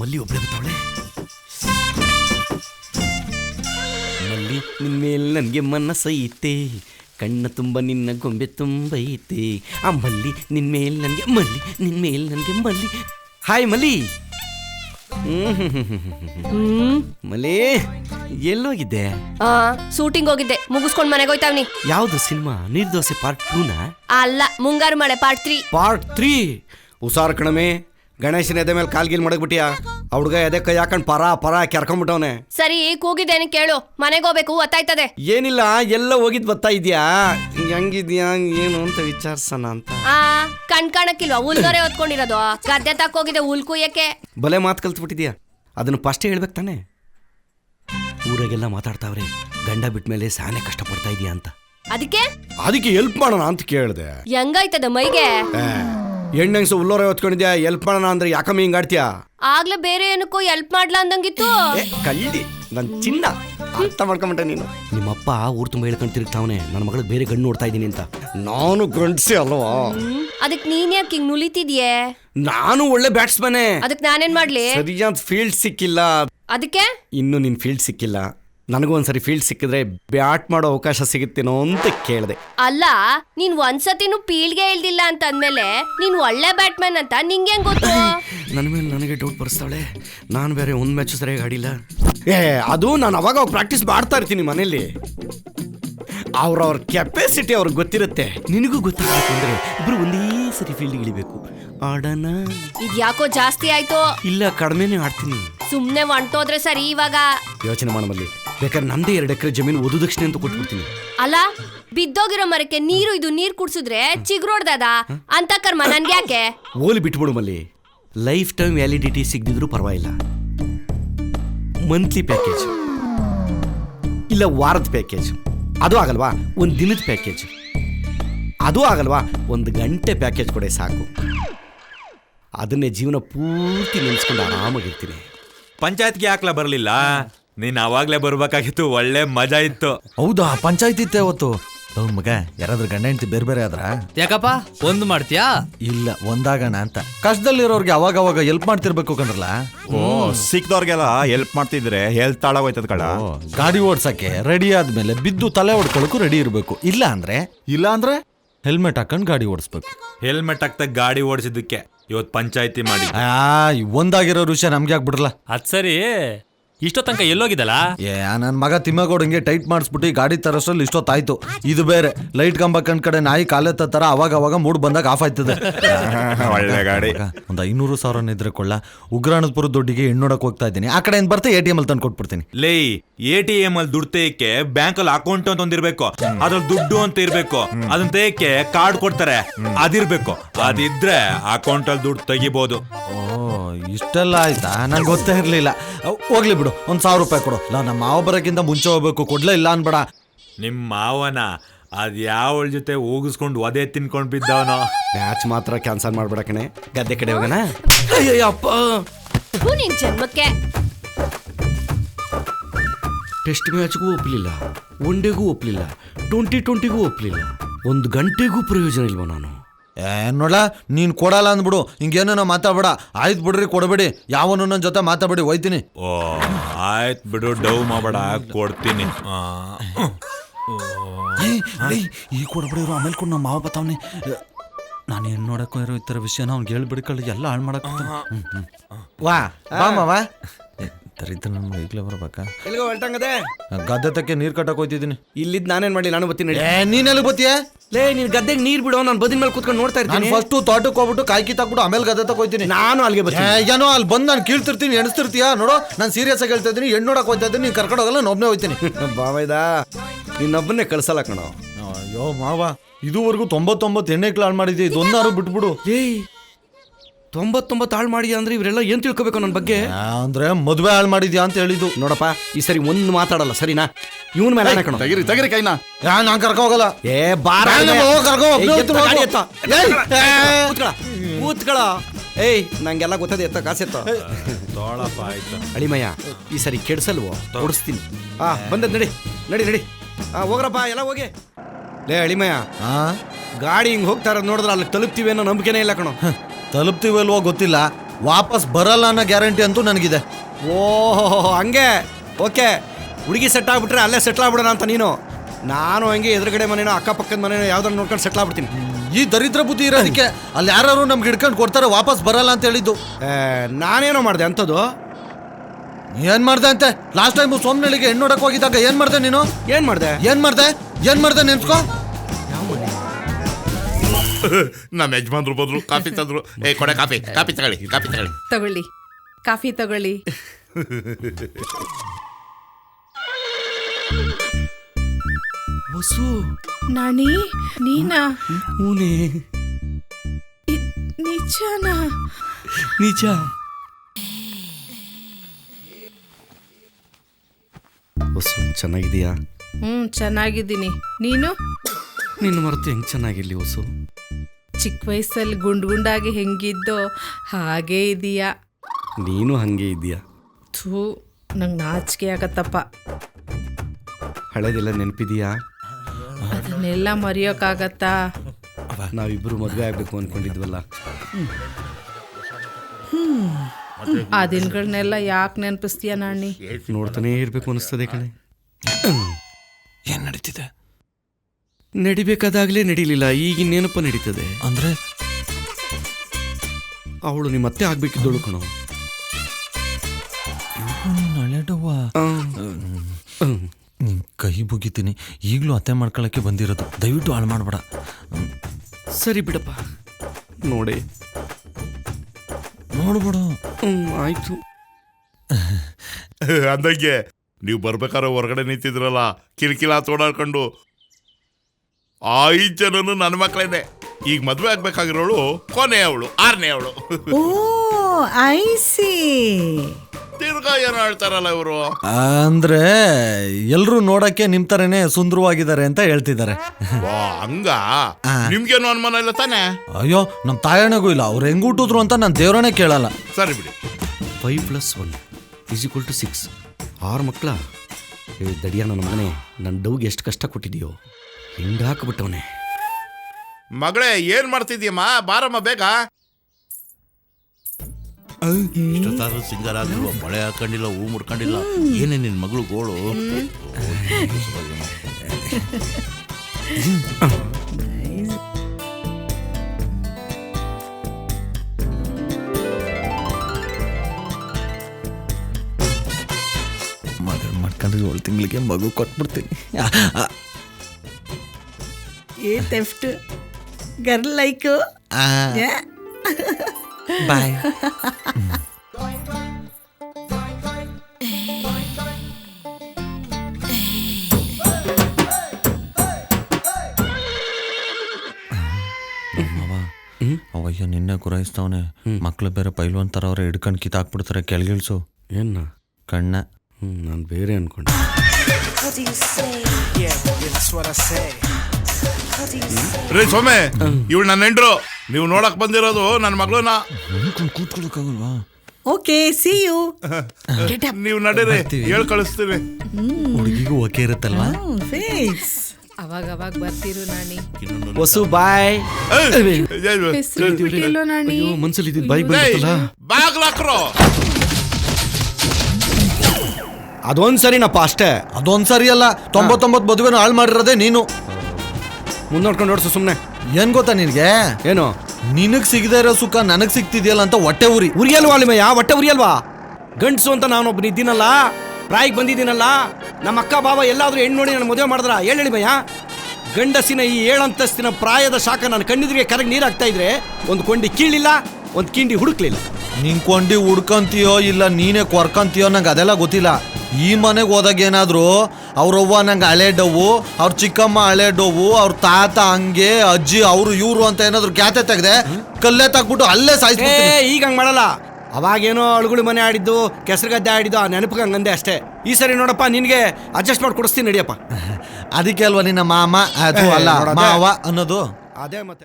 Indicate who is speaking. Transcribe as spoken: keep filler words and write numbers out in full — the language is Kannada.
Speaker 1: ಮಲ್ಲಿ ಒಬ್ಬಳೆ ಬರ್ತಾವಳೆ. ಮಲ್ಲಿ ನಿನ್ಮೇಲೆ ನನಗೆ ಮನಸ್ಸೈತೆ, ಕಣ್ಣ ತುಂಬ ನಿನ್ನ ಗೊಂಬೆ ತುಂಬೈತೆ. ಆ ಮಲ್ಲಿ ನಿನ್ಮೇಲೆ ನನಗೆ ಮಲ್ಲಿ ನಿನ್ಮೇಲೆ ನನಗೆ ಮಲ್ಲಿ. ಹಾಯ್ ಮಲ್ಲಿ. ಮಲ್ಲಿ ಎಲ್ಲೋಗಿದ್ದೆ?
Speaker 2: ಶೂಟಿಂಗ್ ಹೋಗಿದ್ದೆ, ಮುಗಿಸ್ಕೊಂಡ್ ಮನೆಗೆ ಹೋಯ್ತಾವ್ನಿ.
Speaker 1: ಯಾವ್ದು ಸಿನಿಮಾ? ನಿರ್ದೋಸೆ ಪಾರ್ಟ್ ಟೂನಾ?
Speaker 2: ಅಲ್ಲ, ಮುಂಗಾರು ಮಳೆ ಪಾರ್ಟ್ ತ್ರೀ.
Speaker 1: Part three. ಹುಷಾರ್ ಕಣಮೆ, ಗಣೇಶನ ಎದೆ ಮೇಲೆ ಕಾಲ್ಗಿಲ್ ಮಾಡಕ್ಬಿಟ್ಟಿಯಾ? ಆ ಹುಡುಗ ಎದೆ ಕೈ ಹಾಕೊಂಡ್ ಪರ ಪರ ಕೆರ್ಕೊಂಡ್ಬಿಟ್ಟವನೆ.
Speaker 2: ಸರಿ, ಕೂಗಿದ್ದೇನೆ ಕೇಳು, ಮನೆಗೆ ಹೋಗ್ಬೇಕು, ಗೊತ್ತಾಯ್ತದೆ.
Speaker 1: ಏನಿಲ್ಲ, ಎಲ್ಲ ಹೋಗಿದ್ ಬರ್ತಾ ಇದ್ಯಾ? ಹೆಂಗಿದ್ಯಾ ಏನು ಅಂತ ವಿಚಾರಿಸೋಣ ಅಂತ.
Speaker 2: ಆ ಕಣ್ ಕಾಣಕ್ಕಿಲ್ವಾ? ಹುಲ್ದೋರೆ ಹೊತ್ಕೊಂಡಿರೋದು. ಗದ್ದೆ ತಕ್ಕೋಗಿದೆ ಹುಲ್ ಕುಯ್ಯಕ್ಕೆ.
Speaker 1: ಬಲೆ ಮಾತು ಕಲ್ತ್ಬಿಟ್ಟಿದ್ಯಾ? ಅದನ್ನು ಫಸ್ಟೇ ಹೇಳ್ಬೇಕು ತಾನೆ. ಊರಾಗೆಲ್ಲ ಮಾತಾಡ್ತಾವ್ರೆ, ಗಂಡ ಬಿಟ್ಮೇಲೆ ಸಾನೆ ಕಷ್ಟಪಡ್ತಾ ಇದೀಯಾ ಅಂತ.
Speaker 2: ಅದಕ್ಕೆ
Speaker 1: ಅದಕ್ಕೆ ಹೆಲ್ಪ್ ಮಾಡೋಣ ಅಂತ ಕೇಳಿದೆ.
Speaker 2: ಹೆಂಗಾಯ್ತದ ಮೈಗೆ?
Speaker 1: ಹೆಣ್ಣಂಗ್ಸ ಹುಲ್ಲೋರೆ ಹೊತ್ಕೊಂಡಿದ್ಯಾ, ಹೆಲ್ಪ್ ಮಾಡೋಣ ಅಂದ್ರೆ ಯಾಕಮ್ಮ ಹಿಂಗಾಡ್ತೀಯಾ?
Speaker 2: ಆಗ್ಲೇ ಬೇರೆ ಏನಕ್ಕೋ ಹೆಲ್ಪ್ ಮಾಡ್ಲಾ ಅಂದಂಗಿತ್ತು.
Speaker 1: ಕಳ್ಳಿ ನನ್ ಚಿನ್ನ, ಅರ್ಥ ಮಾಡ್ಕೊಂಬಿಟ್ಟೆ ನೀನು. ನಿಮ್ಮಪ್ಪ ಊರ್ ತುಂಬ ಹೇಳ್ಕೊಂಡು ತಿರುಗ್ತಾವನೆ, ನನ್ನ ಮಗಳು ಬೇರೆ ಗಂಡು ನೋಡ್ತಾ ಇದ್ದೀನಿ ಅಂತ. ನಾನು ಗಂಡ್ಸಿ ಅಲ್ವಾ?
Speaker 2: ಅದಕ್ ನೀನ್ ಯಾಕೆ ಹಿಂಗ್ ನುಲಿತಿದ್ಯೆ?
Speaker 1: ನಾನು ಒಳ್ಳೆ ಬ್ಯಾಟ್ಸ್ಮನ್.
Speaker 2: ಅದಕ್ ನಾನೇನ್ ಮಾಡ್ಲಿ?
Speaker 1: ಸರಿಯಾದ ಫೀಲ್ಡ್ ಸಿಕ್ಕಿಲ್ಲ.
Speaker 2: ಅದಕ್ಕೆ
Speaker 1: ಇನ್ನು ನಿನ್ ಫೀಲ್ಡ್ ಸಿಕ್ಕಿಲ್ಲ. ನನಗೂ ಒಂದ್ಸರಿ ಫೀಲ್ಡ್ ಸಿಕ್ಕಿದ್ರೆ ಬ್ಯಾಟ್ ಮಾಡೋ ಅವಕಾಶ ಸಿಗುತ್ತೇನೋ ಅಂತ ಕೇಳಿದೆ.
Speaker 2: ಅಲ್ಲ, ನೀನ್ ಒಂದ್ಸತಿನೂ ಫೀಲ್ಡ್ಗೆ ಇಳ್ದಿಲ್ಲ ಅಂತ ಅಂದ್ಮೇಲೆ ನೀನ್ ಒಳ್ಳೆ ಬ್ಯಾಟ್ಮನ್ ಅಂತ ನಿಂಗೆ ಹೆಂಗ್ ಗೊತ್ತು?
Speaker 1: ನನ್ನ ಮೇಲೆ ನನಗೆ ಡೌಟ್ ಬರ್ಸ್ತಾಳೆ. ನಾನು ಬೇರೆ ಒಂದ್ ಮ್ಯಾಚ್ ಸರಿಯಾಗಿ ಆಡಿಲ್ಲ. ಏ ಅದು ನಾನು ಅವಾಗ ಪ್ರಾಕ್ಟೀಸ್ ಮಾಡ್ತಾ ಇರ್ತೀನಿ ಮನೇಲಿ. ಅವ್ರವ್ರ ಕೆಪಾಸಿಟಿ ಅವ್ರಿಗೆ ಗೊತ್ತಿರುತ್ತೆ, ನಿನಗೂ ಗೊತ್ತಾಗಬೇಕು ಅಂದ್ರೆ ಇಬ್ರು ಒಂದೇ ಸರಿ ಫೀಲ್ಡ್ ಇಳಿಬೇಕು. ಆಡೋಣ?
Speaker 2: ಇದ್ಯಾಕೋ ಜಾಸ್ತಿ ಆಯ್ತು.
Speaker 1: ಇಲ್ಲ, ಕಡಿಮೆನೇ ಆಡ್ತೀನಿ.
Speaker 2: ಸುಮ್ನೆ ಹೊಂಟೋದ್ರೆ ಸರಿ. ಇವಾಗ
Speaker 1: ಯೋಚನೆ ಮಾಡಮಲ್ಲಿ, ಬೇಕಾದ್ರೆ ನಂದೇ ಎರಡು ಎಕರೆ ಜಮೀನು ಓದು ದಕ್ಷಿಣೆ ಅಂತ ಕೊಟ್ಬಿಡ್ತೀನಿ.
Speaker 2: ಅಲ್ಲ, ಬಿದ್ದೋಗಿರೋ ಮರಕ್ಕೆ ನೀರು ಇದು ನೀರ್ ಕುಡ್ಸಿದ್ರೆ ಚಿಗುರೋಡ್ದದ ಅಂತ ಕರ್ಮ ನನ್ಗೆ ಯಾಕೆ?
Speaker 1: ಓಲಿ ಬಿಟ್ಬಿಡು ಮಲ್ಲಿ. ಲೈಫ್ ಟೈಮ್ ವ್ಯಾಲಿಡಿಟಿ ಸಿಗದಿದ್ರು ಪರವಾಗಿಲ್ಲ. ಮಂತ್ಲಿ ಪ್ಯಾಕೇಜ್ ಇಲ್ಲ ವಾರದ ಪ್ಯಾಕೇಜ್, ಅದು ಆಗಲ್ವಾ? ಒಂದು ದಿನದ ಪ್ಯಾಕೇಜ್, ಅದು ಆಗಲ್ವಾ? ಒಂದು ಗಂಟೆ ಪ್ಯಾಕೇಜ್ ಕೊಡೆ ಸಾಕು. ಅದನ್ನೇ ಜೀವನ ಪೂರ್ತಿ ನೆನೆಸ್ಕೊಂಡು ಆರಾಮಾಗಿರ್ತೀನಿ.
Speaker 3: ಪಂಚಾಯತ್ಗೆ ಯಾಕ್ಲ ಬರಲಿಲ್ಲ? ನೀನ್ ಅವಾಗ್ಲೇ ಬರ್ಬೇಕಾಗಿತ್ತು, ಒಳ್ಳೆ ಮಜಾ ಇತ್ತು.
Speaker 4: ಹೌದಾ, ಪಂಚಾಯತ್ ಇತ್ತೆ ಅವತ್ತು. ಹೌದ್ ಮಗ, ಯಾರಾದ್ರೂ ಗಂಡ ಹೆಂಡತಿ ಬೇರೆ ಬೇರೆ ಆದ್ರ?
Speaker 5: ಯಾಕಪ್ಪ ಒಂದು ಮಾಡ್ತೀಯಾ?
Speaker 4: ಇಲ್ಲ, ಒಂದಾಗಣ ಅಂತ. ಕಷ್ಟದಲ್ಲಿರೋರ್ಗೆ ಅವಾಗ ಅವಾಗ ಹೆಲ್ಪ್ ಮಾಡ್ತಿರ್ಬೇಕು ಕಂದ್ರಲ್ಲ.
Speaker 3: ಓ, ಸಿಕ್ದವ್ರಿಗೆಲ್ಲ ಹೆಲ್ಪ್ ಮಾಡ್ತಿದ್ರೆ ಹೆಲ್ತ್ ಹಾಳಾಗೋಯ್ತದ ಕಳ.
Speaker 4: ಗಾಡಿ ಓಡ್ಸಕ್ಕೆ ರೆಡಿ ಆದ್ಮೇಲೆ ಬಿದ್ದು ತಲೆ ಹೊಡ್ಕೊಳಕ್ಕೂ ರೆಡಿ ಇರ್ಬೇಕು. ಇಲ್ಲ ಅಂದ್ರೆ
Speaker 3: ಇಲ್ಲ ಅಂದ್ರೆ
Speaker 4: ಹೆಲ್ಮೆಟ್ ಹಾಕೊಂಡ್ ಗಾಡಿ ಓಡಿಸ್ಬೇಕು.
Speaker 3: ಹೆಲ್ಮೆಟ್ ಹಾಕ್ತಾ ಗಾಡಿ ಓಡಿಸಿದ್ದಕ್ಕೆ ಇವತ್ತು ಪಂಚಾಯತಿ ಮಾಡಿ.
Speaker 4: ಆ ಒಂದಾಗಿರೋ ವಿಷಯ ನಮ್ಗೆ ಆಗ್ಬಿಡ್ರಲ್ಲ.
Speaker 5: ಅದ್ ಸರಿ, ಇಷ್ಟೋ ತನಕ ಎಲ್ಲೋಗಿದ್ದಲ್ಲ?
Speaker 4: ಏ ನನ್ನ ಮಗ ತಿಮ್ಮಗೌಡಂಗೆ ಟೈಟ್ ಮಾಡಿಸ್ಬಿಟ್ಟು ಗಾಡಿ ತರೋಷ್ಟ್ರಲ್ಲಿ ಇಷ್ಟೊತ್ತಾಯ್ತು. ಇದು ಬೇರೆ ಲೈಟ್ ಕಂಬ ಕಂಡ್ ಕಡೆ ನಾಯಿ ಕಾಲೆತ್ತ ತರ ಅವಾಗ ಅವಾಗ ಮೂಡ್ ಬಂದಾಗ ಆಫ್ ಆಯ್ತದೆ.
Speaker 3: ಒಳ್ಳೆ ಗಾಡಿ.
Speaker 4: ಒಂದ್ ಐನೂರು ಸಾವಿರ ಇದ್ರೆ ಕೊಳ್ಳ. ಉಗ್ರಾಣದಪುರ ದುಡ್ಡಿಗೆ ಹೆಣ್ಣೋಡಕ್ ಹೋಗ್ತಾ ಇದ್ದೀನಿ. ಆ ಕಡೆ ಏನ್ ಬರ್ತೆ ಎ ಟಿ ಎಂ ಅಲ್ಲಿ ತಂದು ಕೊಟ್ಬಿಡ್ತೀನಿ.
Speaker 3: ಲೇ, ಎ ಟಿ ಎಂ ಅಲ್ಲಿ ದುಡ್ಡು ತೆಗೆಯಕ್ಕೆ ಬ್ಯಾಂಕ್ ಅಲ್ಲಿ ಅಕೌಂಟ್ ಅಂತ ಒಂದಿರ್ಬೇಕು, ಅದ್ರಲ್ಲಿ ದುಡ್ಡು ಅಂತ ಇರ್ಬೇಕು. ಅದನ್ನ ತೆಗೆಯಕ್ಕೆ ಕಾರ್ಡ್ ಕೊಡ್ತಾರೆ, ಅದಿರ್ಬೇಕು. ಅದಿದ್ರೆ ಅಕೌಂಟ್ ಅಲ್ಲಿ ದುಡ್ಡು ತೆಗಿಬಹುದು.
Speaker 4: ಇಷ್ಟೆಲ್ಲ ಆಯ್ತಾ? ನಂಗೆ ಗೊತ್ತೇ ಇರ್ಲಿಲ್ಲ. ಹೋಗ್ಲಿ ಬಿಡು, ಒಂದ್ ಸಾವಿರ ರೂಪಾಯಿ ಕೊಡು. ಇಲ್ಲ, ನಮ್ಮ ಮಾವ ಬರೋಕ್ಕಿಂತ ಮುಂಚೆ ಹೋಗ್ಬೇಕು. ಕೊಡ್ಲೇ ಇಲ್ಲ ಅನ್ಬೇಡ.
Speaker 3: ನಿಮ್ ಮಾವನ ಅದ್ ಯಾವಳ ಜೊತೆ ಹೋಗಿಸ್ಕೊಂಡು ಒದೆ ತಿನ್ಕೊಂಡ್ ಬಿದ್ದವನೋ.
Speaker 1: ಮ್ಯಾಚ್ ಮಾತ್ರ ಕ್ಯಾನ್ಸಲ್ ಮಾಡ್ಬೇಡ ಕಣೆ, ಗದ್ದೆ ಕಡೆ ಹೋಗೋಣ. ಅಯ್ಯಪ್ಪ,
Speaker 2: ನಿನ್ ಜನ್ಮಕ್ಕೆ.
Speaker 1: ಟೆಸ್ಟ್ ಮ್ಯಾಚ್ಗೂ ಒಪ್ಪಲಿಲ್ಲ, ಒನ್ ಡೇಗೂ ಒಪ್ಪಲಿಲ್ಲ, ಟ್ವೆಂಟಿ ಟ್ವೆಂಟಿಗೂ ಒಪ್ಪಲಿಲ್ಲ, ಒಂದು ಗಂಟೆಗೂ ಪ್ರಯೋಜನ ಇಲ್ವ ನಾನು?
Speaker 4: ಏನ್ ನೋಡ, ನೀನ್ ಕೊಡಲ್ಲ ಅಂದ್ಬಿಡು. ಹಿಂಗೇನೋ ಮಾತಾಡ್ಬೇಡ. ಆಯ್ತು ಬಿಡ್ರಿ, ಕೊಡಬೇಡಿ. ಯಾವನು ನನ್ನ ಜೊತೆ ಮಾತಾಡ್ಬೇಡಿ, ಹೋಯ್ತೀನಿ.
Speaker 3: ಓ ಆಯ್ತು ಬಿಡು, ಡವ್ ಮಾಡಬೇಡ, ಕೊಡ್ತೀನಿ.
Speaker 4: ಈ ಕೊಡಬೇಡಿರು, ಆಮೇಲೆ ಕೊಡು. ನಮ್ಮ ಮಾವ ಬತ್ತಾವನೆ. ನಾನು ಏನು ನೋಡಕ್ಕೋ ಇರೋ ಈ ಥರ ವಿಷಯನ ಅವ್ನಿಗೆ ಹೇಳ್ಬಿಡ್ಕೊಳ್ಳಿ, ಎಲ್ಲ ಹಾಳು ಮಾಡಕ್. ವಾ ಬಾ ಮಾವ. ತರಿತ ನಮ್ಮ ಈಗಲೇ ಬರ್ಬೇಕಾ?
Speaker 1: ಎಲ್ಲಿಗೋ ಹೊರಟಂಗದೆ?
Speaker 4: ಗದ್ದೆ ತಕ್ಕೆ ನೀರು ಕಟ್ಟಕ್ಕೆ ಹೋಯ್ತಿದ್ದೀನಿ.
Speaker 1: ಇಲ್ಲಿದ್ ನಾನೇನ್ ಮಾಡಿ, ನಾನು ಬರ್ತೀನಿ.
Speaker 4: ನೀನೆಲ್ಲ ಬತ್ತೀಯ?
Speaker 1: ಲೇ, ನೀನ್ ಗದ್ದೆಗೆ ನೀರ್ ಬಿಡೋ, ನಾನು ಬದಿನ ಮೇಲೆ ಕೂತ್ಕೊಂಡು ನೋಡ್ತಾ ಇರ್ತೀನಿ.
Speaker 4: ಫಸ್ಟ್ ತೋಟಕ್ಕೆ ಹೋಗ್ಬಿಟ್ಟು ಕಾಯಿ ಕಿತ್ತಾಕ್ಬಿಟ್ಟು ಆಮೇಲೆ ಗದ್ದೆ ತಕ್ಕ ಹೋಯ್ತೀನಿ.
Speaker 1: ನಾನು ಅಲ್ಲಿಗೆ ಬರ್ತೀನಿ.
Speaker 4: ಏನೋ ಅಲ್ಲಿ ಬಂದು ನಾನು ಕೀಳ್ತಿರ್ತೀನಿ, ಎಣಿಸ್ತಿರ್ತೀಯ ನೋಡು. ನಾನು ಸೀರಿಯಸ್ ಆಗಿ ಹೇಳ್ತಾ ಇದ್ದೀನಿ. ಹೆಣ್ಣು ನೋಡಕ್ ಹೋಗ್ತಾ ಇದ್ದೀನಿ, ನೀನು ಕರ್ಕೊಂಡು ಹೋಗಲ್ಲ, ನೊಬ್ಬನೇ ಹೋಯ್ತೀನಿ.
Speaker 1: ಬಾವೈದಾ, ನಿನ್ನೊಬ್ಬನ್ನೇ ಕಳ್ಸಲ್ಲ ಕಣೋ.
Speaker 4: ಅಯ್ಯೋ ಮಾವ, ಇದುವರೆಗೂ ತೊಂಬತ್ತೊಂಬತ್ತು ಎಣ್ಣೆ ಹಾಳು ಮಾಡಿದ್ದೆ, ಇದೊಂದಾರು ಬಿಟ್ಬಿಡು.
Speaker 1: ಏಯ್, ತೊಂಬತ್ತೊಂಬತ್ತು ಹಾಳು ಮಾಡಿದ್ಯಾ ಅಂದ್ರೆ ಇವರೆಲ್ಲ ಏನ್ ತಿಳ್ಕೊಬೇಕು ನನ್ನ ಬಗ್ಗೆ?
Speaker 4: ಅಂದ್ರೆ ಮದುವೆ ಹಾಳು ಮಾಡಿದ್ಯಾ ಅಂತ ಹೇಳಿದ್ದು.
Speaker 1: ನೋಡಪ್ಪ, ಈ ಸರಿ ಒಂದು ಮಾತಾಡಲ್ಲ, ಸರಿನಾ? ಇವನ್ ಮೇಲೆ
Speaker 4: ತೆಗಿರಿ ತೆಗಿರಿ ಕೈನಾ. ನಾನ್ ಕರ್ಕೊ ಹೋಗಲ್ಲ.
Speaker 1: ಏ ಬಾರ, ಕೂತ್ಕಳ. ಏಯ್, ನಂಗೆಲ್ಲ ಗೊತ್ತದೆ, ಎತ್ತ ಕಾಸೆತ್ತ.
Speaker 3: ತೋಳಪ್ಪ ಆಯ್ತು.
Speaker 1: ಅಳಿಮಯ್ಯ, ಈ ಸರಿ ಕೆಡ್ಸಲ್ವೋ? ಓಡಿಸ್ತೀನಿ. ಹಾ, ಬಂದದ್ ನಡಿ ನಡಿ ನಡಿ. ಹಾ, ಹೋಗ್ರಪ್ಪ, ಎಲ್ಲ ಹೋಗಿ. ಲೇ ಅಳಿಮಯ್ಯ, ಗಾಡಿ ಹಿಂಗ್ ಹೋಗ್ತಾ ಇರೋದು ನೋಡಿದ್ರೆ ಅಲ್ಲಿ ತಲುಪ್ತೀವಿ ಅನ್ನೋ ನಂಬಿಕೆನೇ ಇಲ್ಲ ಕಣೋ.
Speaker 4: ತಲುಪ್ತೀವಲ್ವೋ ಗೊತ್ತಿಲ್ಲ. ವಾಪಸ್ ಬರಲ್ಲ ಅನ್ನೋ ಗ್ಯಾರಂಟಿ ಅಂತೂ ನನಗಿದೆ.
Speaker 1: ಓಹೋ ಹಂಗೆ ಓಕೆ. ಹುಡುಗಿ ಸೆಟ್ ಆಗ್ಬಿಟ್ರೆ ಅಲ್ಲೇ ಸೆಟ್ಲ್ ಆಗ್ಬಿಡೋಣ ಅಂತ ನೀನು. ನಾನು ಹಂಗೆ ಎದುರುಗಡೆ ಮನೇನೋ ಅಕ್ಕಪಕ್ಕದ ಮನೇನೋ ಯಾವ್ದಾರು ನೋಡ್ಕೊಂಡು ಸೆಟ್ಲ್ ಆಗ್ಬಿಡ್ತೀನಿ.
Speaker 4: ಈ ದರಿದ್ರ ಬುದ್ಧಿ ಇರೋದಕ್ಕೆ ಅಲ್ಲಿ ಯಾರು ನಮ್ಗೆ ಹಿಡ್ಕೊಂಡು ಕೊಡ್ತಾರೆ, ವಾಪಸ್ ಬರಲ್ಲ ಅಂತ ಹೇಳಿದ್ದು.
Speaker 1: ಏ, ನಾನೇನೋ ಮಾಡಿದೆ ಅಂಥದ್ದು.
Speaker 4: ಏನ್ ಮಾಡ್ದೆ ಅಂತೆ? ಲಾಸ್ಟ್ ಟೈಮ್ ಸೋಮನಳ್ಳಿಗೆ ಹೆಣ್ಣು ನೋಡಕ್ ಹೋಗಿದ್ದಾಗ ಏನ್ ಮಾಡ್ದೆ ನೀನು?
Speaker 1: ಏನು ಮಾಡಿದೆ
Speaker 4: ಏನ್ ಮಾಡ್ದೆ ಏನ್ ಮಾಡ್ದೆ ನೆನ್ಸ್ಕೋ.
Speaker 6: ನಮ್ಮ ಯಜಮಾನ್ರು ಬಂದ್ರು, ಕಾಫಿ ತಂದ್ರು. ಏ ಕೊಡೆ ಕಾಫಿ, ಕಾಫಿ ತಗೊಳ್ಳಿ, ಕಾಫಿ ತಗೊಳ್ಳಿ.
Speaker 7: ತಗೊಳ್ಳಿ, ಕಾಫಿ ತಗೊಳ್ಳಿ.
Speaker 1: ಹೊಸು
Speaker 7: ನಾಣಿ ನೀನಾ?
Speaker 1: ಹೂನೇ
Speaker 7: ಇದ್ ನಿಜನಾ?
Speaker 1: ನಿಜ. ಹೊಸು ಚೆನ್ನಾಗಿದೆಯಾ?
Speaker 7: ಹ್ಮ್ ಚೆನ್ನಾಗಿದ್ದೀನಿ. ನೀನು?
Speaker 1: ನಿನ್ನ ಮರೆತು ಹೆಂಗೆ ಚೆನ್ನಾಗಿರ್ಲಿ ಹೊಸು.
Speaker 7: ಚಿಕ್ಕ ವಯಸ್ಸಲ್ಲಿ ಗುಂಡ್ ಗುಂಡಾಗಿ ಹೆಂಗಿದ್ದೋ ಹಾಗೇ ಇದೀಯಾ.
Speaker 1: ನೀನು ಹಾಗೆ ಇದೆಯಾ.
Speaker 7: ಥೂ, ನಂಗೆ ನಾಚಿಕೆ ಆಗತ್ತಪ್ಪ.
Speaker 1: ಹಳೇದೆಲ್ಲ ನೆನಪಿದೆಯಾ?
Speaker 7: ಅದನ್ನೆಲ್ಲ ಮರೆಯೋಕ್ಕಾಗತ್ತಾ?
Speaker 1: ನಾವಿಬ್ಬರು ಮದುವೆ ಆಗಬೇಕು ಅಂದ್ಕೊಂಡಿದ್ವಲ್ಲ.
Speaker 7: ಆ ದಿನಗಳನ್ನೆಲ್ಲ ಯಾಕೆ ನೆನಪಿಸ್ತೀಯ ನಾಣಿ?
Speaker 1: ನೋಡ್ತಾನೇ ಇರಬೇಕು ಅನಿಸ್ತದೆ ಕಣೆ.
Speaker 4: ಏನ್ ನಡೀತಿದೆ?
Speaker 1: ನಡಿಬೇಕಾದಾಗಲೇ ನಡೀಲಿಲ್ಲ, ಈಗ ನೆನಪ ನಡೀತದೆ.
Speaker 4: ಅಂದ್ರೆ
Speaker 1: ಅವಳು ನಿಮ್ಮ ಮತ್ತೆ ಆಗ್ಬೇಕಿದ್ದಳು ಕಣೋ.
Speaker 4: ನಳೆಡವ್ವ, ಕೈ ಮುಗಿತೀನಿ. ಈಗಲೂ ಅತ್ತೆ ಮಾಡ್ಕೊಳಕ್ಕೆ ಬಂದಿರೋದು, ದಯವಿಟ್ಟು ಹಾಳು ಮಾಡಬೇಡ.
Speaker 1: ಸರಿ ಬಿಡಪ್ಪ, ನೋಡಿ
Speaker 4: ನೋಡ್ಬಿಡು.
Speaker 1: ಹ್ಮ್ ಆಯ್ತು.
Speaker 6: ಅಂದಂಗೆ ನೀವು ಬರ್ಬೇಕಾದ್ರೆ ಹೊರಗಡೆ ನಿಂತಿದ್ರಲ್ಲ, ಕಿರಿಕಿಲ ತೋಡಾಡ್ಕೊಂಡು, ಐದು ಜನನು ನನ್ನ ಮಕ್ಕಳೇನೆ. ಈಗ ಮದ್ವೆ ಆಗ್ಬೇಕಾಗಿರೋಳು ಕೊನೆ ಅವಳು, ಆರನೇ ಅವಳು.
Speaker 8: Oh I see.
Speaker 6: ತಿರ್ಗಾ ಏನೋ ಹೇಳ್ತಾರಲ್ಲ ಇವರು.
Speaker 4: ಅಂದ್ರೆ ಎಲ್ರು ನೋಡಕ್ಕೆ ನಿಮ್ ತರನೇ ಸುಂದರವಾಗಿದ್ದಾರೆ ಅಂತ ಹೇಳ್ತಿದ್ದಾರೆ.
Speaker 6: ವಾ ಹಂಗ? ನಿಮ್ಗೇನು ಅನುಮಾನ ಇಲ್ಲ ತಾನೆ?
Speaker 4: ಅಯ್ಯೋ, ನಮ್ ತಾಯಣಗೂ ಇಲ್ಲ. ಅವ್ರು ಹೆಂಗ್ ಹುಟ್ಟಿದ್ರು ಅಂತ ನಾನು ದೇವರನ್ನೇ ಕೇಳಲ್ಲ.
Speaker 6: ಸರಿ ಬಿಡಿ.
Speaker 1: Five plus one is equal to six. ಆರು ಮಕ್ಕಳ. ಏ ದಡಿಯ ನನ್ನ ಮಗನೇ, ನನ್ನ ಡೌಗೆ ಎಷ್ಟು ಕಷ್ಟ ಕೊಟ್ಟಿದೆಯೋ. ಹಿಂಗೆ ಹಾಕ್ಬಿಟ್ಟವನೆ.
Speaker 6: ಮಗಳೇ ಏನ್ ಮಾಡ್ತಿದ್ಯಮ್ಮ? ಬಾರಮ್ಮ ಬೇಗ.
Speaker 9: ಇಷ್ಟೊತ್ತಾದ್ರೂ ಸಿಂಗರ್ ಆಗಿಲ್ವ? ಬಳೆ ಹಾಕೊಂಡಿಲ್ಲ, ಹೂ ಮುಡ್ಕೊಂಡಿಲ್ಲ. ಏನೇ ನಿನ್ ಮಗಳು ಗೋಳು?
Speaker 4: ಮದುವೆ ಮಾಡ್ಕೊಂಡ್ರೆ ಏಳು ತಿಂಗಳಿಗೆ ಮಗು ಕೊಟ್ಬಿಡ್ತೀನಿ.
Speaker 8: ಏ ತೆಫ್ಟ್ ಗರ್ಲ್ ಲೈಕ್.
Speaker 4: ಬಾಯ್. ಅವಯ್ಯ ನಿನ್ನೆ ಗುರಾಯಿಸ್ತವನೆ. ಮಕ್ಳು ಬೇರೆ ಪೈಲ್ವಾನ್ ಥರ ಅವ್ರೆ, ಹಿಡ್ಕೊಂಡು ಕಿತ್ತಾಕ್ಬಿಡ್ತಾರೆ. ಕೆಳಗಿಳಿಸು.
Speaker 1: ಏನ
Speaker 4: ಕಣ್ಣ.
Speaker 1: ಹ್ಞೂ ನಾನು ಬೇರೆ ಅನ್ಕೊಂಡೆ.
Speaker 6: ರೇ ಸೋಮೆ, ಇವಳು ನನ್ನ ಹೆಂಡ್ರು. ನೀವು ನೋಡಕ್ ಬಂದಿರೋದು ನನ್ನ ಮಗಳನ್ನ.
Speaker 4: ಕೂತ್ಕೊಳ್ಳೋಕ್ಕಾಗಲ್ವಾ?
Speaker 8: Okay see you.
Speaker 6: ನೀವು ನಡೀರಿ, ಹೇಳ್ ಕಳಿಸ್ತೀವಿ.
Speaker 4: ಹುಡುಗಿಗೂ ಓಕೆ ಇರುತ್ತಲ್ವಾ?
Speaker 8: ಫೇಸ್
Speaker 7: ಅವಾಗ ಅವಾಗ ಬರ್ತಿರು ನಾಣಿ.
Speaker 1: ಹೊಸು ಬಾಯ್.
Speaker 7: ಹೆಸರು ಬಿಟ್ಟಿಲ್ಲೋ ನಾಣಿ.
Speaker 1: ಅಯ್ಯೋ ಮನ್ಸಲ್ಲಿ ಇದ್ದಿದ್ದು ಬಾಯ್ ಬಂದಿತ್ತಲ್ಲ.
Speaker 6: ಬಾಗ್ಲಾಕ್ರೋ.
Speaker 1: ಅದೊಂದು ಸರಿನಪ್ಪ ಅಷ್ಟೇ.
Speaker 4: ಅದೊಂದ್ ಸರಿ ಅಲ್ಲ, ತೊಂಬತ್ತೊಂಬತ್ತು ಮದುವೆನ ಹಾಳು ಮಾಡಿರೋದೇ ನೀನು.
Speaker 1: ಮುಂದೋಡ್ಕೊಂಡು ನೋಡ್ಸು ಸುಮ್ಮನೆ.
Speaker 4: ಏನ್ ಗೊತ್ತಾ ನಿನ್ಗೆ?
Speaker 1: ಏನು?
Speaker 4: ನಿನಗ್ ಸಿಗದೆ ಇರೋ ಸುಖ ನನಗ್ ಸಿಗ್ತಿದ್ಯಲ್ಲ ಅಂತ ಹೊಟ್ಟೆ ಉರಿ.
Speaker 1: ಉರಿಯಲ್ವಾ ಅಲ್ಲಿಮಯ್ಯ? ಹೊಟ್ಟೆ ಉರಿಯಲ್ವಾ? ಗಂಡಸು ಅಂತ ನಾನೊಬ್ಬನ ಇದ್ದೀನಲ್ಲ, ಪ್ರಾಯಕ್ಕೆ ಬಂದಿದ್ದೀನಲ್ಲ. ನಮ್ಮ ಅಕ್ಕ ಬಾಬಾ ಎಲ್ಲಾದ್ರೂ ಹೆಣ್ಣು ನೋಡಿ ನಾನು ಮದುವೆ ಮಾಡಿದ್ರ ಹೇಳಿಮಯ್ಯ? ಗಂಡಸಿನ ಈ ಏಳಂತಸ್ತಿನ ಪ್ರಾಯದ ಶಾಖ ನನ್ನ ಕಣ್ಣಿದ್ರಿಗೆ ಕರಗಿ ನೀರಾಗ್ತಾ ಇದ್ರೆ ಒಂದು ಕೊಂಡಿ ಕೀಳಿಲ್ಲ, ಒಂದು ಕಿಂಡಿ ಹುಡುಕ್ಲಿಲ್ಲ.
Speaker 4: ನಿನ್ ಕೊಂಡಿ ಹುಡ್ಕಂತೀಯೋ ಇಲ್ಲ ನೀನೇ ಕೊರ್ಕಂತೀಯೋ ನಂಗೆ ಅದೆಲ್ಲ ಗೊತ್ತಿಲ್ಲ. ಈ ಮನೆಗೆ ಹೋದಾಗ ಏನಾದ್ರು ಅವ್ರವ್ವ ನಂಗೆ ಹಳೆ ಡವ್ವು, ಅವ್ರ ಚಿಕ್ಕಮ್ಮ ಹಳೆ ಡವ್ವು, ಅವ್ರ ತಾತ ಹಂಗೆ, ಅಜ್ಜಿ ಅವರು ಇವರು ಅಂತ ಏನಾದ್ರು ಖ್ಯಾತೆ ತೆಗ್ದೆ ಕಲ್ಲೇ ತಗ್ಬಿಟ್ಟು ಅಲ್ಲೇ ಸಾಯಿಸ್ಬಿಡ್ತೀನಿ.
Speaker 1: ಈಗ ಹಂಗೆ ಮಾಡಲ್ಲ. ಅವಾಗೇನೋ ಅಳುಗುಳಿ ಮನೆ ಆಡಿದ್ದು, ಕೆಸರು ಗದ್ದೆ ಆಡಿದ್ದು, ಆ ನೆನಪಿಗೆ ಹಂಗಂದೆ ಅಷ್ಟೇ. ಈ ಸರಿ ನೋಡಪ್ಪ, ನಿನಗೆ ಅಡ್ಜಸ್ಟ್ ಮಾಡಿ ಕೊಡಿಸ್ತೀನಿ ನಡಿಯಪ್ಪ.
Speaker 4: ಅದಕ್ಕೆ ಅಲ್ವಾ ನಿನ್ನ ಮಾಮ ಅದು ಅಲ್ಲ ಮಾವ ಅನ್ನೋದು.
Speaker 1: ಅದೇ ಮತ್ತೆ.